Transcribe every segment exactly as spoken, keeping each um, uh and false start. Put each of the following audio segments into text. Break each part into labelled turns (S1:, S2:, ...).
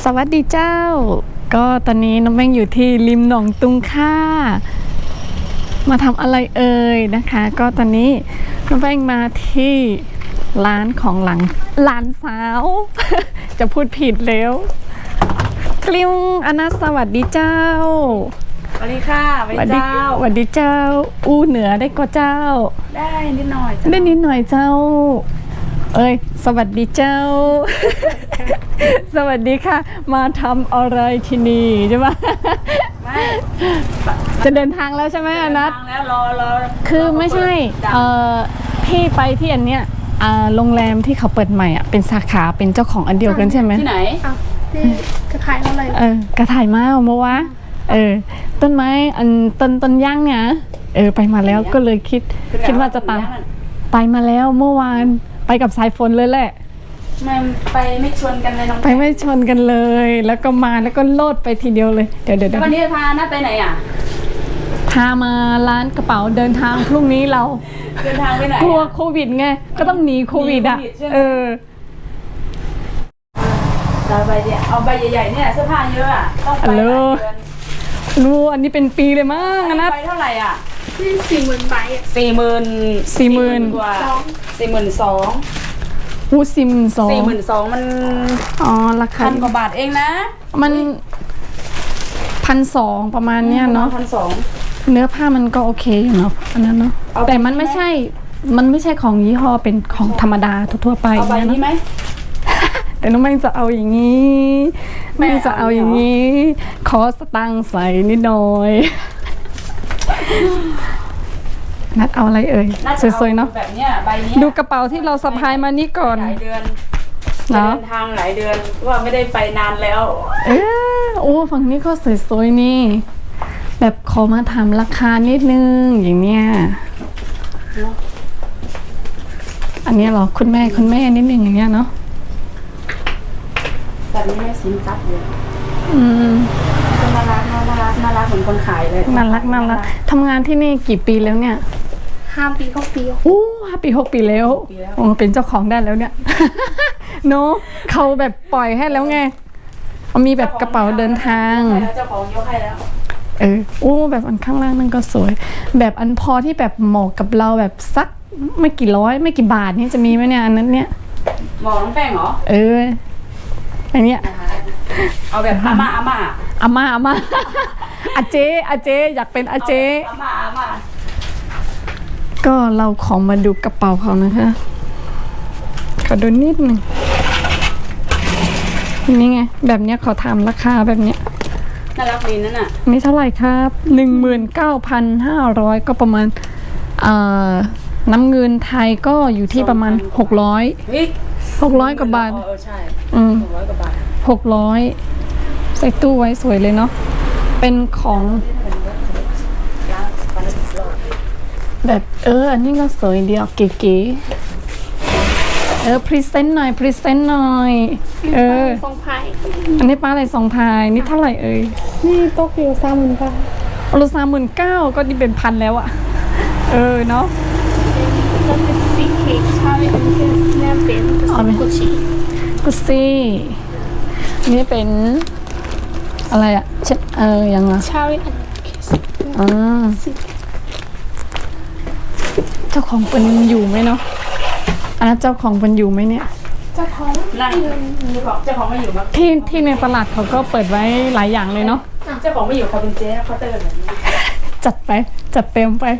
S1: สวัสดีเจ้าก็ตอนนี้น้องแป้งอยู่ที่ริมหนองตุงค่ามาทำอะไรเอ่ยนะคะก็ตอนนี้น้องแป้งมาที่ร้านของหลังหลานสาว จะพูดผิดแล้วคลิวอนัสสวัสดีเจ้า
S2: สวัสดีค่ะสวัสดีเจ้า
S1: สวัสดีเจ้าอู้เหนือได้ก็เจ้า
S2: ได้นิดหน่อย
S1: ได้นิดหน่อยเจ้าเอ้ยสวัสดีเจ้า สวัสดีค่ะมาทำอะไรที่นี่ใช่ไหม
S2: ไม่
S1: จะเดินทางแล้วใช่ไหมอนัท
S2: ทางแล้วรอรอ
S1: คือไม่ใช่เอ่อพี่ไปที่อันเนี้ยอ่าโรงแรมที่เขาเปิดใหม่อ่ะเป็นสาขาเป็นเจ้าของอันเดียวกันใช่ไหม
S2: ที่ไหน
S3: ที่กระถ่ายอะไร
S1: เออกระถ่ายมาเมื่อวะเออต้นไม้อันต้นต้นย่างเนี่ยเออไปมาแล้วก็เลยคิดคิดว่าจะตามไปมาแล้วเมื่อวานไปกับสายฝนเลยแหละ
S2: ไม่ไปไม่ชวนกันเลยน้อง
S1: ไปไม่ชนกันเลยแล้วก็มาแล้วก็โลดไปทีเดียวเลยเดี๋ยวเดี๋ยว
S2: วันนี้พาน้าไปไหนอ่ะ
S1: พามาร้านกระเป๋าเดินทางพรุ่งนี้เรา
S2: เดินทางไปไหน
S1: กลัวโควิดไงก็ต้องหนีโควิดอ่ะเออ
S2: เราใบเดียวเอาใบใหญ่ๆเนี่ยเสื้อผ้าเยอะอ่ะต้องไปหลายเดือน
S1: รู้อันนี้เป็นปีเลยมั้งนะ
S2: ไปเท่าไหร่อ่ะ
S3: สี่หมื่นใบ
S2: สี่หมื่น
S1: สี่หมื่น
S2: กว่าสี่หมื่นสอง
S1: อู้สี่หมื่นสอง
S2: สี่หมื่นสองมัน
S1: อ๋อราคา
S2: พันกว่าบาทเองนะ
S1: มันพันสองประมาณเนี้ยเนาะ
S2: พันสอง
S1: เนื้อผ้ามันก็โอเคอยู่เนาะอันนั้นเนาะแต่มันไม่ใช่มันไม่ใช่ของยี่ห้อเป็นของธรรมดาทั่วไป
S2: เอาใบนี้ไหม
S1: แต่น้องแม่จะเอาอย่างนี้แม่จะเอาอย่างนี้ขอสตังค์ใส่นิดหน่อยนัดเอาอะไรเอ่ยสวยๆเนาะ
S2: แบบเนี้ยใบนี้
S1: ดูกระเป๋าที่เราสะพายมานี่ก่อน
S2: หลายเดือนเดินทางหลายเดือนว่าไม่ได้ไปนานแล้ว
S1: เออโอ้ฝั่งนี้ก็สวยๆนี่แบบขอมาถามราคานิดนึงอย่างเนี้ยอันนี้เหรอคุณแม่คุณแม่นิดนึงอย่างเงี้ยเนาะ
S2: แบบนี้แม่สินทรัพย์อยู่
S1: อืม
S2: น่ารักน่ารักน่ารักเหมือนคนขายเลย
S1: น่ารักน่ารักทำงานที่นี่กี่ปีแล้วเนี่ย
S3: ห้าปีหกปี
S1: โอ้ห้าปีหกปีแล้วโอ้เป็นเจ้าของได้แล้วเนี่ยเนาะเขาแบบปล่อยให้แล้วไงมีแบบกระเป๋าเดินทาง
S2: เจ้าของยกให้แล้ว
S1: เออโอ้แบบอันข้างล่างนั่นก็สวยแบบอันพอที่แบบเหมาะกับเราแบบสักไม่กี่ร้อยไม่กี่บาทนี่จะมีไหมเนี่ยอันนั้นเนี่ย
S2: หมอน้องแป้งเหรอ
S1: เอออันเนี้ย
S2: เอาแบบอาม่าอาม่า
S1: อาม่าอาม่าอาเจอาเจอยากเป็นอาเจ
S2: อาม่าอาม่า
S1: ก็เราขอมาดูกระเป๋าเขานะคะขอดูนิดหนึ่งนี่ไงแบบเนี้ยขอถามราคาแบบเนี้ย
S2: น่ารักดีนั่นน่ะ
S1: นี่เท่าไหร่ครับหนึ่งหมื่นเก้าพันห้าร้อยก็ประมาณเอ่อน้ำเงินไทยก็อยู่ที่ประมาณหกร้อยหกร้อยกว่าบาท
S2: เออใช่
S1: อืม
S2: หกร้อยกว่าบาท
S1: หกร้อยใส่ตู้ไว้สวยเลยเนาะเป็นของแบบเอออันนี้ก็สวยเดียวเก๋ๆเออพรีเซนต์หน่อยพรีเซนต์หน่อยเออ
S3: ทรงพาย
S1: อันนี้ป้าอะไรทรงพายนี่เท่าไหร่เอ่ย
S3: นี่โต๊ะอยู่สามหมื่นเก้า
S1: โลสามหมื่นเก้าก็นี่เป็นพันแล้วอะเออเนาะ
S3: แล้วเป็นซีเค้กชาลีอันนี้เป็นแนมเป็นกุชชี่
S1: กุชชี่นี่เป็นอะไรอะเช็ดเออยังอะ
S3: ชาลีอัน
S1: อ่าเจ้าของเป็นอยู่ไหมเนาะอันนั้นเจ้าของเป็นอยู่ไหมเนี่ย
S3: เจ้าของ
S2: นั่งเจ้าของไม่อยู่มั้ง
S1: ที่ที่ในตลาดเขาก็เปิดไว้หลายอย่างเลยเนาะ
S2: เจ้าของไม่อยู่เขาเป็นเจ๊เขาเติร์แบบนี้
S1: จัดไปจัดเต็มไป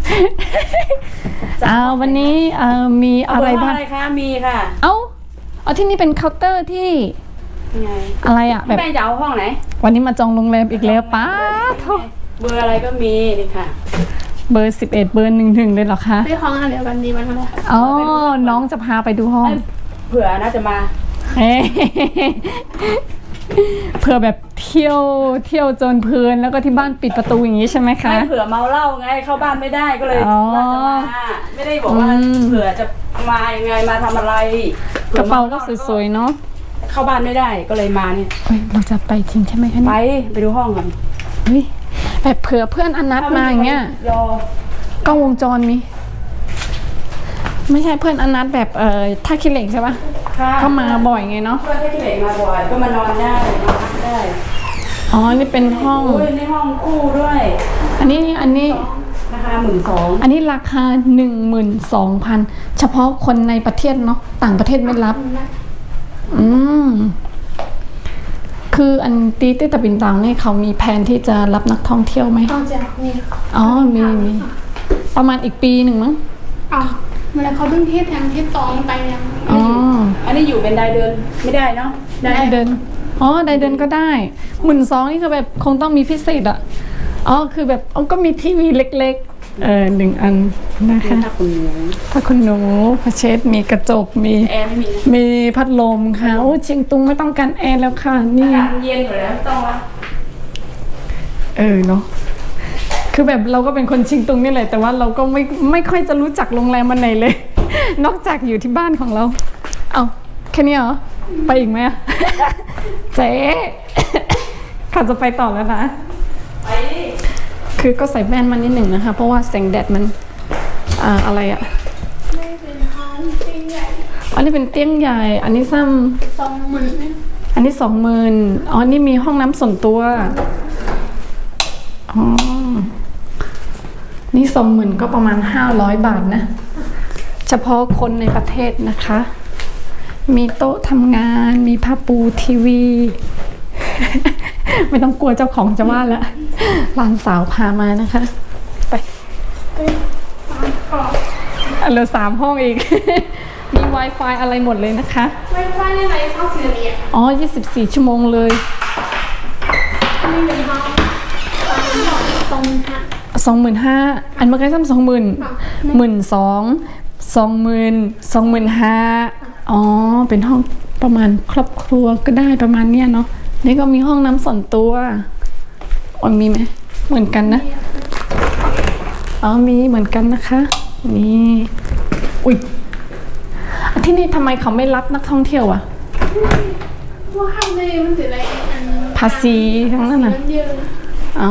S1: เอาวันนี้เอ่อมีอะไรบ้าง
S2: อะไรคะมีค่ะ
S1: เอ้าเอาที่นี่เป็นเคาน์เตอร์ที่อะไรอะ
S2: แบบแม่จะเอาห้องไหน
S1: วันนี้มาจองโรงแรมอีกแล้วป้า
S2: เบอร์อะไรก็มีนี่ค่ะ
S1: เบอร์สิบเอ็ดเบอร์หนึ่งถึงเลยเหรอคะ
S3: ไปห้องอะไรกันดีมันทำไม
S1: อ๋อน้องจะพาไปดูห้อง
S2: เผื่อน่าจะมา
S1: เผื่อแบบเที่ยวเที่ยวจนเพลินแล้วก็ที่บ้านปิดประตูอย่างนี้ใช่ไหมคะ
S2: ไม่เผื่อเมาเหล้าไงเข้าบ้านไม่ได้ก็เลยว่าจะมาไม่ได้บอกว่าเผื่อจะมายังไงมาทำอะไร
S1: กระเป๋าก็สวยๆเนาะ
S2: เข้าบ้านไม่ได้ก็เลยมาเนี่ย
S1: เราจะไปจริงใช่ไหมคะ
S2: ไปไปดูห้องกัน
S1: เฮ้ยแบบเผื่อเพื่อนอนัดมาอย่างเงี้ยกล้องวงจรมีไม่ใช่เพื่อนอนัดแบบเอ่อท่าขี้เหล็กใช่ปะ
S2: ค่ะ
S1: เข้ามาบ่อยไงเนาะ
S2: เพื่อนที่เด็กมาบ่อยก็มานอนได้มาพักได้
S1: อ๋อนี่เป็นห้อง
S2: อุ้ยในห้องคู่ด้วย
S1: อันนี้อันนี้
S2: ราคาหมื่นสอง
S1: อันนี้ราคา หนึ่งหมื่นสองพัน เฉพาะคนในประเทศเนาะต่างประเทศไม่รับ อืมคืออันตีเต้ตะบินตังนี่เขามีแผนที่จะรับนักท่องเที่ยวไหม
S3: เอาจากนี่
S1: อ๋อมีมีประมาณอีกปีหนึ่งมั้ง
S3: เอาเวลาเขาต้องเทศแทนที่ตองไปยัง
S1: อ๋อ
S2: อันนี้อยู่เป็นรายเดือนไม่ได้เนาะ
S1: ได้เดินอ๋อได้เดินก็ได้หมื่นสองนี่คือแบบคงต้องมีพิเศษอ่ะอ๋อคือแบบอ๋อก็มีทีวีเล็กๆเออหนึ่งอันนะคะ
S2: ถ้าคุณหนู
S1: ถ้าคุณหนูพระเชษมีกระจกมี
S2: แอร์ไม่มี
S1: มีพัดลมค่ะโอ้เชียงตุงไม่ต้องการแอร์แล้วค่ะนี่
S2: อากาศเย็นอยู่แล้วต้องละ
S1: เออเนาะคือแบบเราก็เป็นคนเชียงตุงนี่แหละแต่ว่าเราก็ไม่ไม่ค่อยจะรู้จักโรงแรมมันไหนเลย นอกจากอยู่ที่บ้านของเราเอาแค่นี้เหรอไปอีกไหมอะ เจ๊ข้าจะไปต่อแล้วนะ
S2: ไปดิ
S1: คือก็ใส่แว่นมานิดหนึ่งนะคะ เพราะว่าแสงแดดมันอ่าอะไรอะ
S3: ไม่เป็นห้องจริงใหญ่
S1: อันนี้เป็นเตียงใหญ่ อันนี้ซ้
S3: สองหมื่น
S1: ำอันนี้สองหมื่นอ๋อนี่มีห้องน้ำส่วนตัวอ๋อนี่สองหมื่นก็ประมาณห้าร้อยบาทนะ เฉพาะคนในประเทศนะคะ มีโต๊ะทำงาน มีผ้าปูทีวี ไม่ต้องกลัวเจ้าของจะว่าแล้วหลานสาวพามานะคะ ไป
S3: สามกรอบ
S1: อันเหลือสามห้องอีก มี Wi-Fi อะไรหมดเลยนะคะ
S3: ไวไฟในไหนเข้าสี่เหลี่ยม
S1: อ๋อ ยี่สิบสี่ ชั่วโมงเลย
S3: นี่เป็นห้องสามหมื่นสองหมื่นห้า
S1: สองหมื่นห้าอันเมื่อกี้ซ้ำสองหมื่นหมื่นสองสองหมื่นสองหมื่นห้าอ๋อ เป็นห้องประมาณครอบครัวก็ได้ประมาณเนี้ยเนาะนี่ก็มีห้องน้ำส่วนตัวอ๋อมีไหมเหมือนกันนะอ๋อมีเหมือนกันนะคะ นี่อุ้ยที่นี่ทำไมเขาไม่รับนักท่องเที่ยวอะ
S3: ว่าข้างในมันถืออะไรอัน
S1: ภาษีทั้งนั้นน่ะ
S3: มันเยอะ
S1: อ๋อ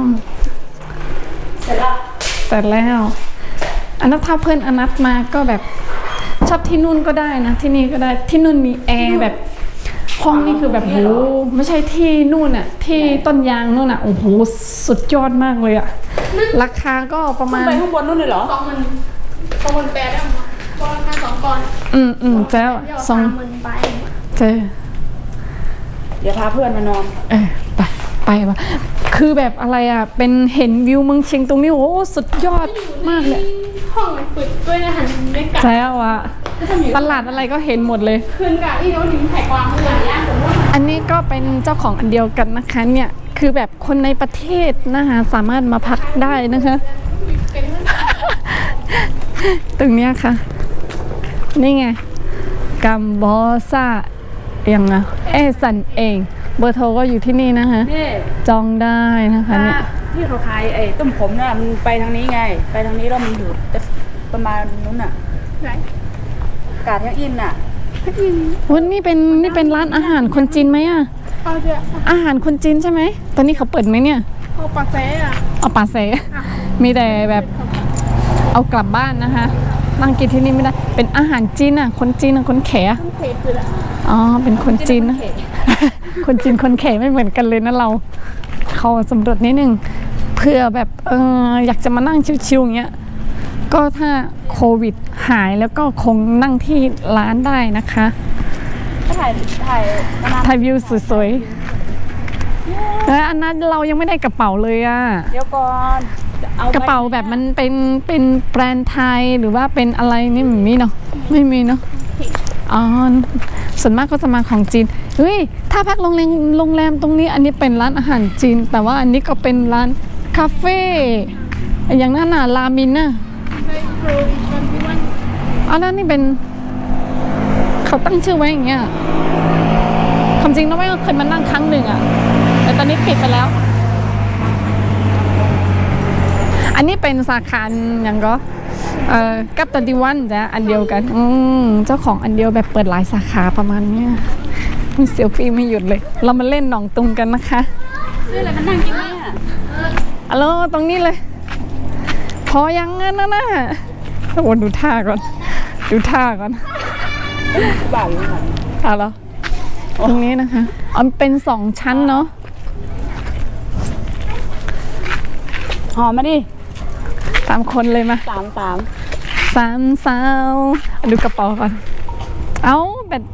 S2: เสร็จแล้ว
S1: เสร็จแล้วอันนั้นถ้าเพื่อนอนัทมาก็แบบชอบที่นู่นก็ได้นะที่นี่ก็ได้ที่นู่นมีแอร์แบบห้องนี่คือแบบโหไม่ใช่ที่นู่นอะที่ต้นยางนู่นอะโอ้โหสุดยอดมากเลยอะราคาก็ประมาณ
S2: ไปข้างบนนู่นเลยเหรอ
S3: สองหมื่นสองหมื่นแปดได้ไหมก็ราคาสองก่อน
S1: อืมอืมเจ้า
S3: เดี๋ยว
S1: สอง
S3: สามหมื่นไป
S1: เจ้า
S2: เดี๋ยวพาเพื่อนมานอน
S1: เออไปไปวะคือแบบอะไรอะเป็นเห็นวิวเมืองเชียงตุงนี่โอ้โหสุดยอดมากเลย
S3: ห้องปิดด้วยนะหันไม่กลับ
S1: เจ้าอะตลาดอะไรก็เห็นหมดเลย
S3: คืนกับที่โน้ตถึงแผกวางเมื่อไหร่ย่างผมว่า
S1: อันนี้ก็เป็นเจ้าของอันเดียวกันนะคะเนี่ยคือแบบคนในประเทศนะคะสามารถมาพักได้นะคะ
S3: เป็น
S1: ตรงเนี้ยค่ะ นี่ไงกัมบอซายังไงเอสันเองเบอร์โทรก็อยู่ที่นี่นะคะ
S2: นี่
S1: จองได้นะคะเนี่ย
S2: ที่เขาขายไอ้ต้มขมน่ะมันไปทางนี้ไง ไปทางนี้แล้วมันอยู่ประมาณนู้นน่ะ
S3: ไหน
S2: กาดยังอินน่ะ
S1: วันนี้เป็นนี่เป็นร้านอาหารคนจีนไหมอะ
S3: เอาเถอะ
S1: อาหารคนจีนใช่ไหมตอนนี้เขาเปิดไหมเนี่ย
S3: เอาปากแซ่อะ
S1: เอาปาเซมีแต่แบบเอากลับบ้านนะคะนั่งกินที่นี่ไม่ได้ เป็นอาหารจีนอ่ะ คนจีนอ่ะ คนแขอะ
S3: ต้องเทคือละ
S1: อ๋อ เป็นคนจีนนะ คนจีนคนแขไม่เหมือนกันเลยนะเรา เขาสำรวจนิดนึงเพื่อแบบเอออยากจะมานั่งชิวๆอย่างเงี้ย ก็ถ้าโควิดหายแล้วก็คงนั่งที่ร้านได้นะคะ
S2: ก็ถ่ายถ่ายมานาน
S1: ถ่ายวิวสวยๆแล้วอันนั้นเรายังไม่ได้กระเป๋าเลยอ่ะ
S2: เดี๋ยวก่อนอ
S1: กระเป๋าแบบมันเป็นเป็นแบรนด์ไทยหรือว่าเป็นอะไรนี่ไม่มีเนาะไม่มีเนาะอ๋อส่วนมากก็จะมาของจีนเฮ้ยถ้าพักโรงแรมโรงแรมตรงนี้อันนี้เป็นร้านอาหารจีน แต่ว่าอันนี้ก็เป็นร้านคาเฟ่อย่างนั้นน่ะรามินน่ะ
S3: ได้โปรอีกวันที่วัน
S1: อ๋อแล้วนี่เป็นเขาตั้งชื่อไว้อย่างเงี้ยความจริงเราไม่เคยมานั่งครั้งหนึ่งอะแต่ตอนนี้ปิดไปแล้ว อันนี้เป็นสาขาอย่างก็เอ่อกับตันดิวันจ้ะอันเดียวกันอืมเจ้าของอันเดียวแบบเปิดหลายสาขาประมาณเนี้ยมีเซลฟี่ไม่หยุดเลย เรามาเล่นหนองตุงกันนะคะ
S2: ซื้ออะไรมันนั่งกินเนี่ย
S1: ฮัลโหลตรงนี้เลย พอยังงั้นนะนะโอ้ดูท่าก่อน ดูท่าก่อน
S2: บ้านเลยค่ะ
S1: เอาเหรอตรงนี้นะคะอ๋อเป็นสองชั้นเนาะ
S2: หอมมาดิ
S1: สามคนเลยมา
S2: สามสาม
S1: สามสาวดูกระเป๋าก่อน เอาแบต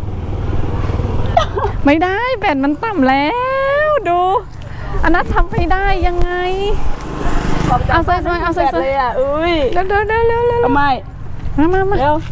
S1: ไม่ได้แบตมันต่ำแล้วดู อันนั้นทำไม่ได้ยังไง เอาใส่ๆเอาใส่ๆ
S2: เลยอ่ะอุ้ย
S1: เร็วเร็วเร็วเร็วเร็ว
S2: ทำไม
S1: มามามา
S2: เร็ว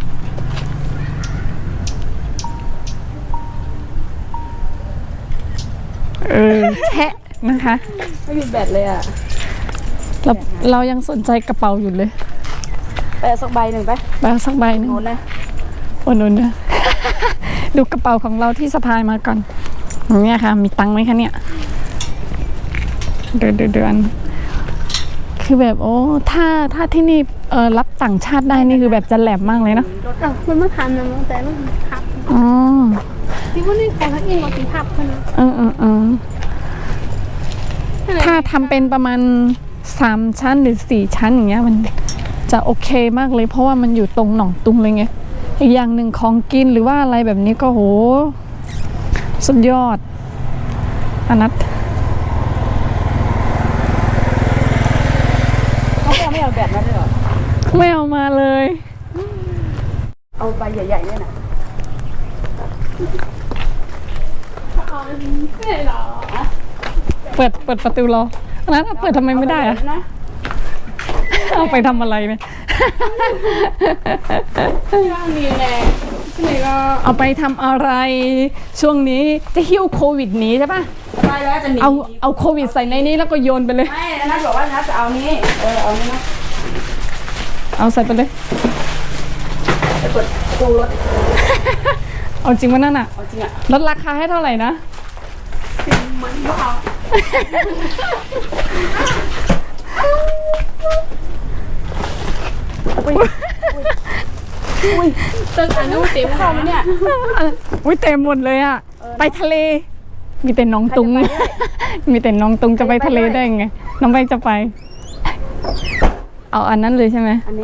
S1: เออแชะนะคะ
S2: ไม่มีแบตเลยอ่ะ
S1: เราเรายังสนใจกระเป๋าอยู่เลย
S2: ไปเอาสักใบหนึ่งไป
S1: ไปเอาสักใบหนึง
S2: โน้นนะ
S1: โอ้นุ่นนะ ดูกระเป๋าของเราที่สะพายมาก่อนเนี่ยค่ะ มีตังค์ไหมคะเนี่ย เดือนเดือนเดือนคือแบบโอ้ถ้าถ้าที่นี่เออรับต่างชาติได้นี่คือแบบจะแหลมมากเลยเนาะ
S3: แต่มันมาทำนะแต่มันทับ
S1: อ๋อ
S3: ที่ว่านี่ของทักเองก็ตีทับคนนะ
S1: เออเออเออถ้าทำเป็นประมาณสามชั้นหรือสี่ชั้นอย่างเงี้ยมันจะโอเคมากเลย เพราะว่ามันอยู่ตรงหนองตุงเลยไงอีกอย่างหนึ่งของกินหรือว่าอะไรแบบนี้ก็โหสุดยอดอนัท
S2: เขาไม่เอาไม่เอาแบตมาด้วยเหรอ
S1: ไม่เอามาเลย
S2: เอาใบใหญ่ๆเนี่ยนะ
S3: เอาไม่ได้หรอ
S1: เปิดเปิดประตูรออันนั้นเปิดทำไมไม่ได้อะ
S2: นะ
S1: เอาไปทำอะไรเนี่ย
S3: ที่ว่ามีแรงที่ไหนก็
S1: เอาไปทำอะไร ช่วงนี้จะหิ้วโควิดหนีใช่ปะ
S2: ไปแล้วจะหนี
S1: เอาเอาโควิดใส่ในนี้แล้วก็โยนไปเลย
S2: ไม่นัทบอกว่านัทจะเอานี้เออเอานี้นะ
S1: เอาใส่ไปเลย
S2: ไปกดปูรถ
S1: เอาจริงว่านั่นอะ
S2: เอาจริงอ่ะ
S1: ลดราคาให้เท่าไหร่นะ
S3: สิ่งมันว่าเอาตึกอนุเต็ม
S2: เข้าไหมเนี่ย
S1: อุ้ยเต็มหมดเลยอะไปทะเล มีแต่น้องตุง
S2: ใครจะไปด้วย
S1: มีแต่น้องตุงจะไปทะเลได้ไง น้องใบจะไป เอาอันนั้นเลยใช่ไหม
S2: อันนี้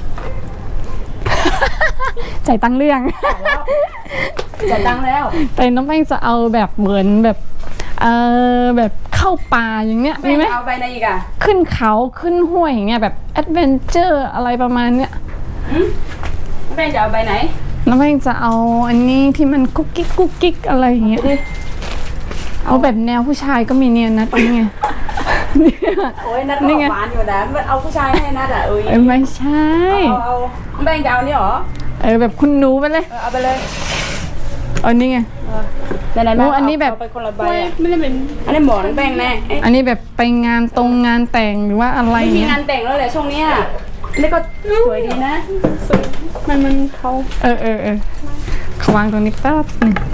S1: จ่ายตังค์เรื่อง
S2: จ่ายตังค์แล้ว
S1: แต่น้องแป้งจะเอาแบบเหมือนแบบเออแบบเข้าป่าอย่างเนี้ย
S2: ไม่
S1: มีไหม
S2: เอาใบไหนอีกอ่ะ
S1: ขึ้นเขาขึ้นห้วยอย่างเงี้ยแบบแอดเวนเจอร์อะไรประมาณเนี้ย
S2: แม่จะเอาใบไหน
S1: น้องแป้งจะเอาอันนี้ที่มันกุ๊กกิ๊กกุ๊กกิ๊กอะไรอย่างเงี้ย
S2: ดิ
S1: เอาแบบแนวผู้ชายก็มีเนี่ยนะตรงนี้ไง
S2: โอ้ยนัทก็
S1: นี่
S2: อ
S1: ไง
S2: อกหวานอยู่นะเอาผู้ชายให้นัทอ่ะเอ้ย
S1: เออไม่ใช่
S2: เอาเอาแม่จะเอานี่หรอ
S1: เออแบบคุณหนูไปเลย
S2: เออเอาไปเลย
S1: เอานี่ไง
S2: เออไหนๆ
S1: โอ้
S2: มา
S1: อันนี้แบบ
S2: เอาไปคนละใบ
S3: ไม่
S2: อ่ะ
S3: ไม่ได้เป็น
S2: อันนี้หมอนแป้งแน่เอ๊ะ
S1: อันนี้แบบไปงานตรงงานแต่งหรือว่าอะไร
S2: ไม่มี
S1: เงี้ย
S2: งานแต่งแล้วแหละช่วงเนี้ยนี่ก็สวยดีนะ
S3: สุดมันมันเขา
S1: เออเออเออเขาวางตรงนี้แป๊บหนึง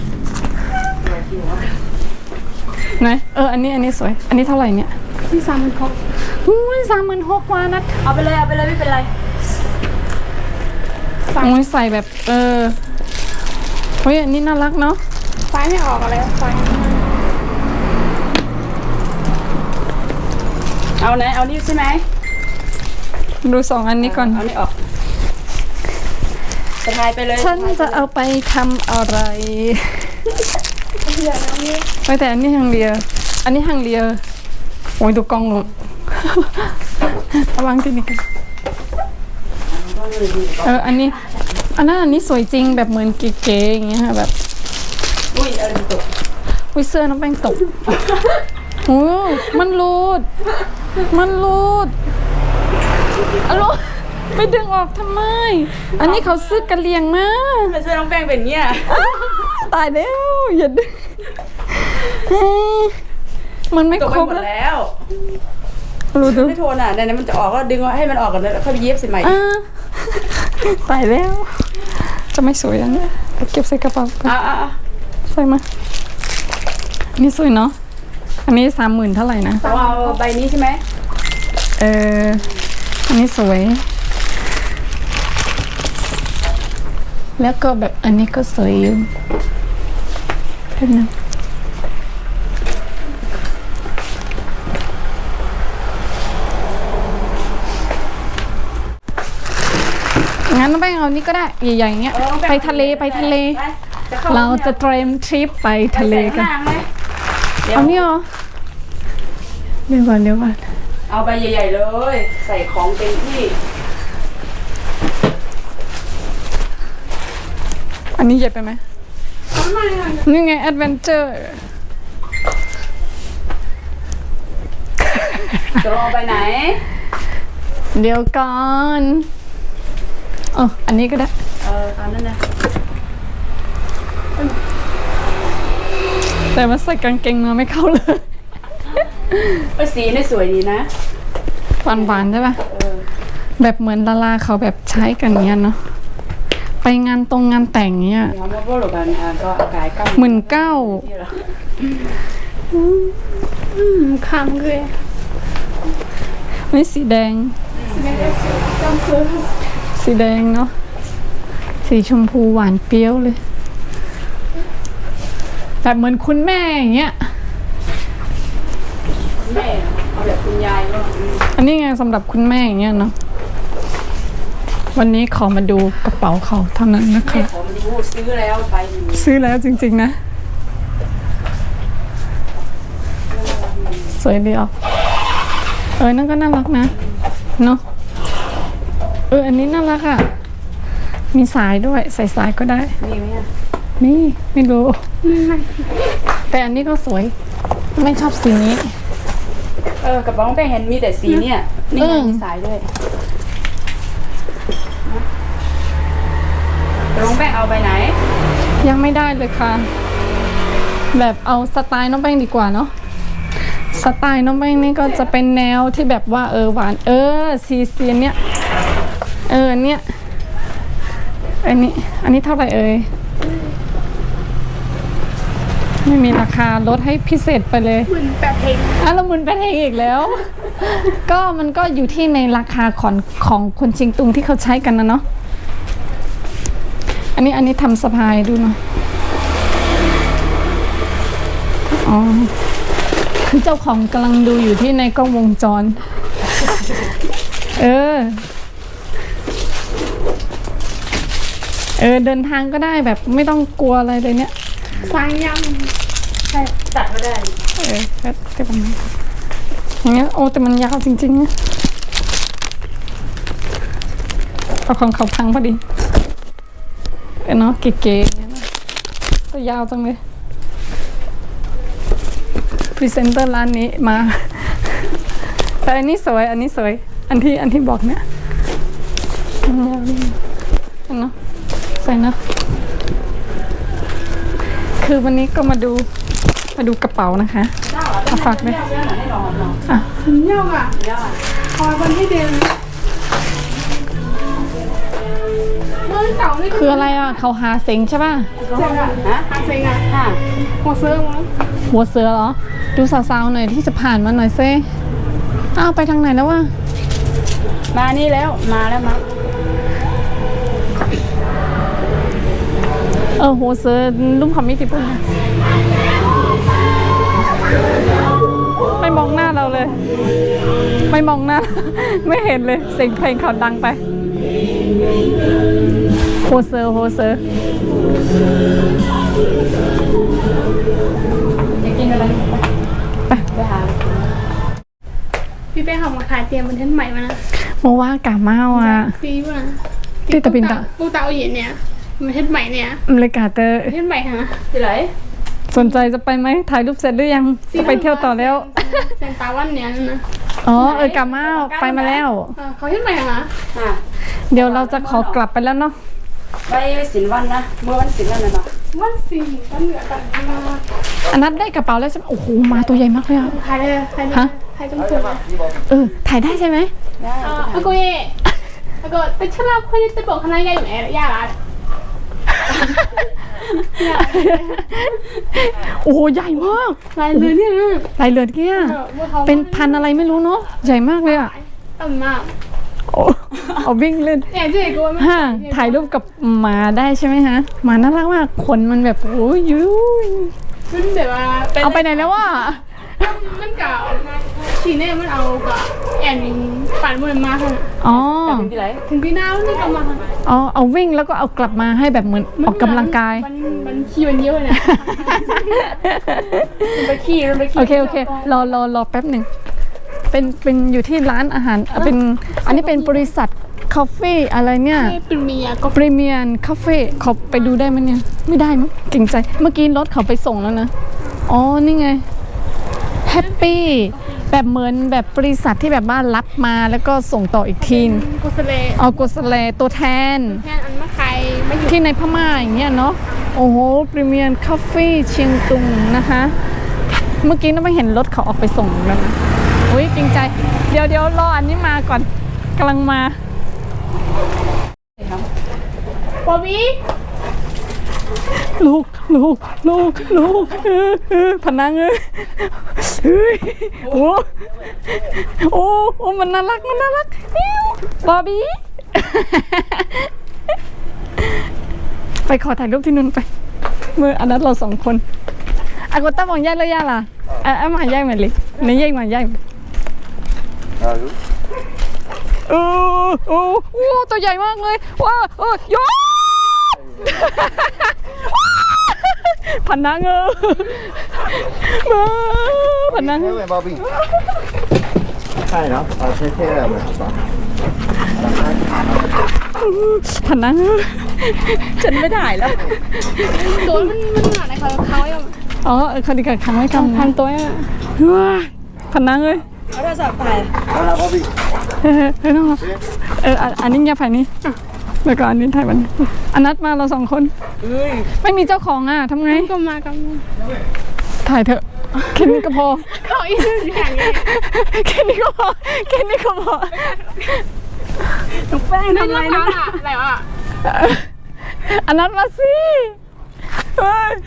S1: ไหนเอออันนี้อันนี้สวย อันนี้เท่าไหร่เนี่ย
S3: ที่สามมันเขา
S1: อุ้ยสามหมื่นหกวานัด
S2: เอาไปเลยเอาไปเลยไม่เป็นไร
S1: โอ้ยใส่แบบเออเฮ้ยอันนี้น่ารักเนาะ
S3: ไฟไม่ออกอะไรไฟ
S2: เอาไหนเอานี่ใช่ไหม
S1: ดูสองอันนี้ก่อน
S2: เอานี่ออกสะพายไปเลย
S1: ฉันจะเอาไปทำอะไรไปแต่อันนี้ฮังเลีย อันนี้ฮังเลียโอ้ยดูกล้องหนู ระวังที่นี่กันเอออันนี้ อันนั้นอันนี้สวยจริงแบบเหมือนเก๋ๆอย่างเงี้ยค่ะแบบ
S2: อุ้ยเออตก
S1: อุ้ยเสื้อน้องแป้งตก โอ้มันรูด มันรูดอะโลไปดึงออกทำไม อันนี้เขาซื้อกระเลียงมา
S2: ไม่ใช่น้องแป้งเป็นเงี้ย
S1: ตายแล้วอย่าดึงเฮ้ยมันไม่
S2: ตก
S1: ค
S2: ไป
S1: รบ
S2: หมด
S1: แล้ว
S2: แล้ว
S1: รู้ดู
S2: ไม่โทนอ่ะไหนๆมันจะออกก็ดึงให้มันออกก่อนแล้วค่อยไปเย็บสิใหม่
S1: อ่าตายแล้ว จะไม่สวยอันเนี้ยไปเก็บใส่กระเป๋าไป
S2: อ่ะอ่ะอ่ะ
S1: ใส่มาอันนี้สวยเนาะอันนี้สามหมื่นเท่าไหร่นะ
S2: เอาเอาใบนี้ใช่ไหม
S1: เอออันนี้สวย แล้วก็แบบอันนี้ก็สวยอยู่แป๊บนึงไงงั้นน้องแป้งเอานี่ก็ได้ใหญ่ๆอย่างเงี้ย
S2: ออ
S1: ไปทะเลไปทะเล
S2: ไปจะเข้
S1: เราจะเตรียมทริปไปทะเลกัน
S2: ไปใส่ข้างล่างไหมดี๋ยว
S1: เอานี่เหรอเดี๋ยวก่อนเดี๋ยวก่อน
S2: เอาใบใหญ่ๆเลย ใส่ของเต็มที่
S1: อันนี้ใหญ่ไปไหมนี่ไงแอดเวนเจอร์
S2: จะรอไปไหน
S1: เดี๋ยวก่อนเอออันนี้ก็ได้
S2: เออตามนั้นนะ
S1: แต่ว่าใส่กางเกงมาไม่เข้าเลย
S2: เออสีนี่สวยดีนะ
S1: หวานๆใช่ปะ
S2: เออ
S1: แบบเหมือนดาราเขาแบบใช้กันเงี้ยเนาะไปงานตรงงานแต่งเงี้ย
S2: เดี๋ยวมาพูดกันอ่ะก็อากายกั้ม
S1: หมื่นเก้า
S2: ที่เรา
S3: Mm, hungry.
S1: ไม่สีแดง
S3: Jumpers.
S1: สีแดงเนาะสีชมพูหวานเปรี้ยวเลยแบบเหมือนคุณแม่อย่างเงี้ย
S2: แม่เอาแบบคุณยายก็อืม
S1: อันนี้ไงสำหรับคุณแม่อย่างเงี้ยเนาะวันนี้ขอมาดูกระเป๋าเขาเท่านั้นนะ
S2: แม่
S1: คะ
S2: ขอมาดูซื้อแล้วไปอยู่
S1: ซื้อแล้วจริงๆนะสวยดีออกเออนั่นก็น่ารักนะเนาะเอออันนี้น่ารักอ่ะมีสายด้วยใส่สายก็ได้
S2: มีไหมอ่ะ
S1: นี่ไม่รู้ แต่อันนี้ก็สวย ไม่ชอบสีนี้
S2: เออกระเป๋าน้องแป้งเห็นมีแต่สีเนี่ยนี่ไง
S1: เออ
S2: มีสายด้วยน้องแป้งเอาไปไหน
S1: ยังไม่ได้เลยค่ะ แบบเอาสไตล์น้องแป้งดีกว่าเนาะสไตล์น้องแป้งนี่ก็จะเป็นแนวที่แบบว่าเออหวาน เออซีเซียนเนี้ยเอออันเนี้ยอันนี้ อันนี้เท่าไหร่เอ่ยไม่มีราคาลดให้พิเศษไปเลย
S3: เหมือนแบบเพลง
S1: อ่ะละมุนไปเองอีกแล้ว ก็มันก็อยู่ที่ในราคาของของคนเชียงตุงที่เขาใช้กันนะเนาะอันนี้อันนี้ทำสะพายดูหน่อยอ๋อเจ้าของกำลังดูอยู่ที่ในกล้องวงจร เออ เออเดินทางก็ได้แบบไม่ต้องกลัวอะไรเลยเนี่ย
S3: ฟังยัง
S2: ใช่ตัดก็ได้
S1: เออก็ก็ประมาณนั้นอย่างเงี้ยโอ้แต่มันยาวจริงๆนะเอาของเขาพังพอดีเออเนาะเก๋ๆอย่างเงี้ยนะก็ยาวจังเลยพรีเซนเตอร์ร้านนี้มา แต่อันนี้สวยอันนี้สวยอันที่อันที่บอกเนี่ยอันยาวนี่อันเนาะใส่เนาะคือวันนี้ก็มาดูมาดูกระเป๋านะคะเอาฝากด้วย
S2: เรื่องไหนให้ลองลอง
S1: อ่ะ
S3: ถึงยังอ่ะ
S2: เดี๋ยวอ่ะ
S3: คอยวันที่เดือนเมื่อเก่านี่
S1: คืออะไรอ่ะเขาหาเซ็งใช่ป่ะ
S3: เจ๋งอ่ะ
S2: ฮะ
S3: อาเซ็งอ่ะ
S2: ค่ะ
S3: หัวเสื้อมั้ง
S1: หัวเสือเหรอ ดูสาวๆหน่อยที่จะผ่านมาหน่อยเซ่อ้าวไปทางไหนแล้ววะ
S2: มานี่แล้วมาแล้วมา
S1: เออหัวเสือลุ่มคำมิติปุ่นนะไม่มองหน้าเราเลย ไม่มองหน้า ไม่เห็นเลยเสียงเพลงเขาดังไปโฮเซอร์โฮเซอร์
S2: อยากกินอะไรไปไปหา
S3: พี่เป้เขามาขายเตรียมเป็นเทนใหม่มานะ
S1: โมว่ากาเมาอ่ะ
S3: ปีว่า
S1: ที่ตะปินตะ
S3: ปูเตาเย็นเนี่ยมันเทนใหม่เนี่ย
S1: อเมริกาเตอร์
S3: เทนใหม่ฮะ
S2: ที่ไหน
S1: สนใจจะไปไหมถ่ายรูปเสร็จหรือยังจะไปเที่ยวต่อแล้ว
S3: เซนตาวันเนี่ยนะ
S1: อ๋อเออกาเมาไปมาแล้ว
S3: อ่าเขาเทนใหม่ฮะ
S2: อ่ะ
S1: เดี๋ยวเราจะขอกลับไปแล้วเนาะ
S2: ไปสินวันนะเมื่อวันสินนั่นน่ะเนาะ
S3: วันสี่วันเหนือกันมา
S1: อันนั้นได้กระเป๋าแล้วใช่ไหมโอ้โหมาตัวใหญ่มากเลยอ่ะ
S3: ขายเลยขายเลย
S1: ฮะ
S3: ขายจนถึง
S1: เออถ่ายได้ใช่ไหม
S2: ได้
S3: อ่าอากูเย่อากูแต่ฉันเราคนจะบอกคณะใหญ่อยู่ไหนย่าละ
S1: โอ้โหใหญ่มาก
S3: ลายเรือเนี่ย
S1: ลายเลือดเกี้ยเป็นพันอะไรไม่รู้เนาะใหญ่มากเลยอ่ะ
S3: ต่ำมาก
S1: โอ้เอาวิ่งเล่น
S3: เนี่ยเจ๊กูไม่
S1: ฮะถ่ายรูปกับหมาได้ใช่ไหมฮะหมาน่ารักมากขนมันแบบโอ้ยยุ้ย
S3: มันแบบว่า
S1: เอาไปไหนแล้ววะ
S3: มันเก่าชีเน่มันเอากับแอแอนฝันบนมาค่ะ
S1: อ๋อ
S2: ถึงที่ไหน
S3: ถึงที่หน้านี่ก็มาค่ะ
S1: อ๋อเอาวิ่งแล้วก็เอากลับมาให้แบบเหมือนออกกำลังกาย
S3: มันมันขี้มันเยอะเนี่ย
S2: มันไปขี้มันไปขี้
S1: โอเคโอเครอรอรอแป๊บหนึ่งเป็นเป็นอยู่ที่ร้านอาหารอ่ะเป็นอันนี้เป็นบริษัทคาเฟ่อะไรเนี่ย
S3: ให้เป็นเมียก็
S1: พรีเมียร์คาเฟ่เขาไปดูได้ไหมเนี่ยไม่ได้มั้งเก่งใจเมื่อกี้รถเขาไปส่งแล้วนะอ๋อนี่ไงแฮปปี้แบบเหมือนแบบบริษัทที่แบบว่ารับมาแล้วก็ส่งต่ออีกทีน
S3: กุสเล
S1: เอาโกสเลตัวแทน
S3: แค่อันมะไข่ไม่อยู่
S1: ที่ในพม่าอย่างเงี้ยเนาะโอ้โหพรีเมียร์คาเฟ่เชียงตุงนะคะ เมื่อกี้เราไม่เห็นรถเขาออกไปส่งแล้วนะอุ้ยจริงใจ เดี๋ยวเดี๋ยวรออันนี้มาก่อนกำลังมา
S3: บอบบี้
S1: ลูกลูกลูกลูกเออเออพนังเออเฮ้ยโอ้โอ้โอ้มันน่ารักมันน่ารักอิ๊วบอบบี้ ไปขอถ่ายรูปที่นู่นไปเมื่ออันนั้นเราสองคนอากต้ามองแยกเลยย่าล่ะอ่ะอ่ะมาแยกมาเลยในแยกมาแยกเออโอ้โอ้ตัวใหญ่มากเลยว้าเออโยพันนังเออมาพันนัง
S4: thế về bao bì hai đó ờ thế thế là mình có
S1: พันนังเออ
S2: ฉันไม่ได้แล้ว
S3: ตัวมันมันหนาในเขาเขาอย่าง
S1: อ๋อเออเขาดีกับครั้งไว้คำพันตัวอ่ะว้าพันนังเลย
S2: เอาโทรศัพท์ถ่าย
S4: đó là bao bì
S1: เออเออน้องเอออันอันนี้เงียบไปนี่แล้วก็อันนี้ถ่ายมันอันนัดมาเราสองคน
S2: เอ้ย
S1: ไม่มีเจ้าของอ่ะทำไง
S3: ก็มากับ
S1: ถ่ายเถอะแค่นี้ก็พอ
S3: เขาอีกหนึ่งอย่างเงี้ย
S1: แค่นี้ก็พอแค่นี้ก็พอ
S2: น้องแป้ง
S3: นั่น
S2: ทำอะไร
S3: มะพ
S2: นะ
S3: ร้าวอะอะไรวะ
S1: อันนัดมาสิเฮ้ย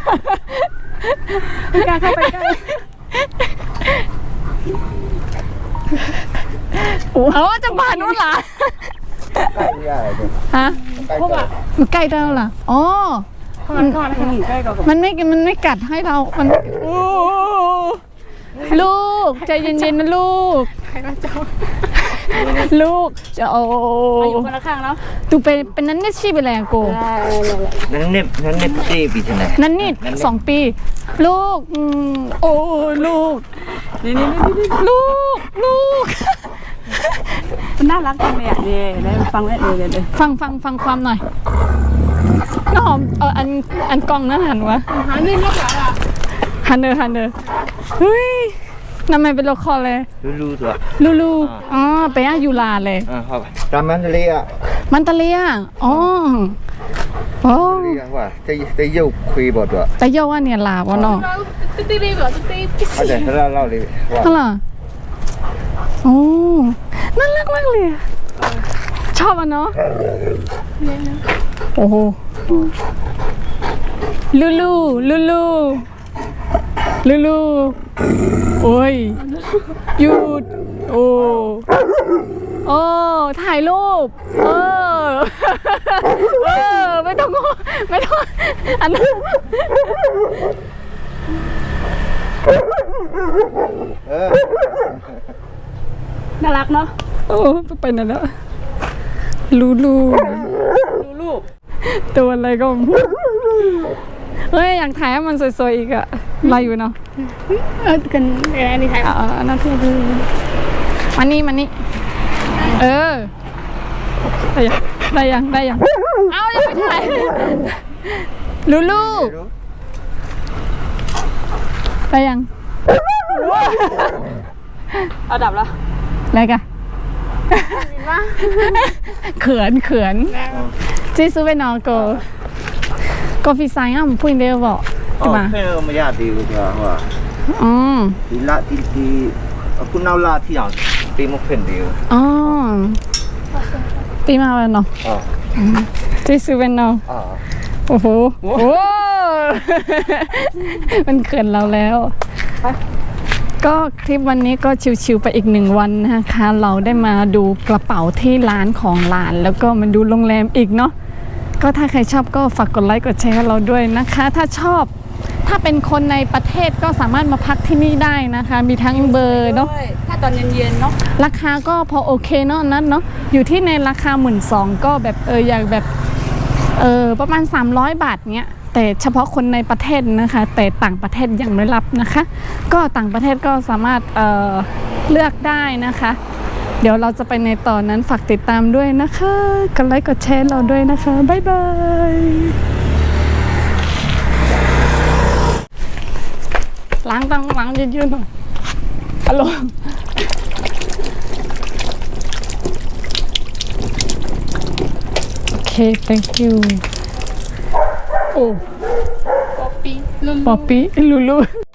S2: ไม่กล้าเข้าไปใกล้
S1: เอาจะมานู่นล่ะ
S4: cay ra rồi
S1: ฮะ
S4: cay
S3: Không ạ.
S4: cay.
S1: มันใกล้ได้แล้วล่ะอ๋อ
S3: ก่อนก่อน
S2: อืมใกล้กับ
S1: มันไม่มันไม่กัดให้เรา มันโอ้ลูกใจเย็นๆนะลูก
S3: ใครก็เจ้า
S1: ลูกจะโอ้
S2: มาอยู่คนละข้างเนาะ
S1: ตูเป็นเป็นนั้นเนี่ยชีไปแล้วกู
S4: nó nếp nó nếp tê bị thế này
S1: นั่นนี่สองปี ลูกอืมโอ้ลูก
S2: นี่นี่นี่นี่
S1: ลูกลูก
S2: มันน่ารักจังเลยอ่ะเนี่ยได้ฟังแล้วเลยเลยเลย
S1: ฟังฟังฟังความหน่อยน้องหอมเอออันอันกล้องนั้นหันวะ
S3: หาเงินมากกว่าอ่ะ
S1: ฮันเนอร์ฮันเนอร์เฮ้ยทำไมเป็นโลคอลเลย
S4: lu lu rồi
S1: ลูลูอ๋อไปอ่ะยูลาเลย
S4: à không ra mang đi à
S1: มันตะเลียอ๋อโอ้
S4: đi à hoa tây tây dâu khuy bọt rồi
S1: แต่เยาว่าเนี่ยลาวะเนาะ
S3: เราติ๊กติ๊กติ๊กแบบติ๊กติ๊ก
S4: à để ra lau đi
S1: ฮัล
S4: hoa
S1: โหลโอ้น่ารักมากเลยอะชอบอ่ะเนาะโอ้โหลูลูลูลูลูลูโอ้ยหยุดโอ้โอ้ถ่ายรูปเออเออไม่ต้องไม่ต้องอันนั้น
S4: ờ
S2: น่ารักเนาะ
S1: โอ้ไปไหนแล้วลูลู
S2: ดูลูก
S1: ตัวอะไรก็เฮ้ยอยากถ่ายให้มันสวยๆอีกอะรออยู่เนาะ
S3: เออกันอะไรนี่ใคร
S1: อ่าน่าที่ดูมานี่มานี่เออได้ยังได้ยังได้ยังเอายังไม่ถ่ายลูลูได้ยัง
S2: เอาดับแล้ว
S1: อะไรกันเขินเขินจีซูไปนอนก็ก็ฟีไซน์อ่ะมันพูดเดียวบอกใช่ไหม
S4: ờ thế mà ra đi rồi hoa
S1: อืม
S4: đi la đi đi cũng nào la thì à đi một phần đi
S1: อ๋อปีมาแล้วเนาะ
S4: ờ
S1: จีซูเป็นเนาะ
S4: ờ
S1: โอ้โหโอ้มันเขินเราแล้ว ก็คลิปวันนี้ก็ชิวๆไปอีกหนึ่งวันนะคะ เราได้มาดูกระเป๋าที่ร้านของหลาน แล้วก็มาดูโรงแรมอีกเนาะ ก็ถ้าใครชอบก็ฝากกดไลค์กดแชร์ให้เราด้วยนะคะ ถ้าชอบถ้าเป็นคนในประเทศก็สามารถมาพักที่นี่ได้นะคะ มีทั้งเบอร์เนาะ
S2: ด้วยถ้าตอนเย็นๆเนาะ
S1: ราคาก็พอโอเคเนาะนั้นเนาะอยู่ที่ในราคาหมื่นสองก็แบบเอออย่างแบบเออประมาณสามร้อยบาทเนี้ยแต่เฉพาะคนในประเทศนะคะแต่ต่างประเทศยังไม่รับนะคะ ก็ต่างประเทศก็สามารถเอ่อเลือกได้นะคะ เดี๋ยวเราจะไปในตอนนั้นฝากติดตามด้วยนะคะกดไลค์กดแชร์เราด้วยนะคะบ๊ายบายล้างตังล้างยืดๆหน่อยฮัลโหลโอเค thank you โอ้
S3: Poppy. Lulu.
S1: ป๊อปปี้ลูลู